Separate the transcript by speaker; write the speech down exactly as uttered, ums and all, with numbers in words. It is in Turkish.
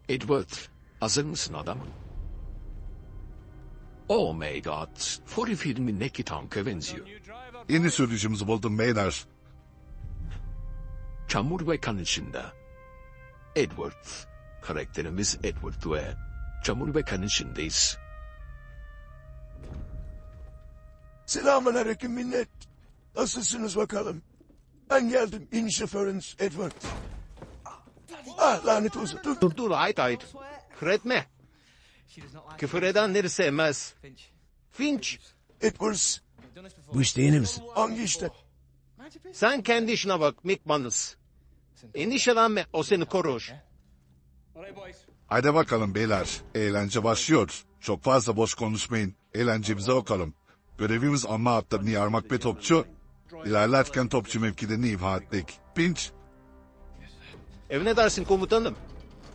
Speaker 1: Edward, hazır mısın adam? Oh my god, Fury filmindeki tanka benziyor.
Speaker 2: Yeni sürücümüzü buldum beyler.
Speaker 1: Çamur ve kan içinde. Edward, karakterimiz Edward ve çamur ve kan içindeyiz.
Speaker 3: Selamünaleyküm millet. Nasılsınız bakalım? Ben geldim. İn şoförünüz Edward. Ah lanet olsun. Dur.
Speaker 4: Dur dur ait ait. Küfür etme. Küfür edenleri sevmez. Finch,
Speaker 3: Edwards.
Speaker 5: Bu işte yeni misin?
Speaker 3: Hangi işte?
Speaker 4: sen kendi işine bak Mick Manus. Endişelenme, o seni korur.
Speaker 2: Haydi bakalım beyler. Eğlence başlıyor. Çok fazla boş konuşmayın. Eğlencemize bakalım. Görevimiz anma hatlarını yarmak ve topçu. İlerlerken topçu mevkilerini imha ettik. Pinch.
Speaker 4: Evine dersin komutanım.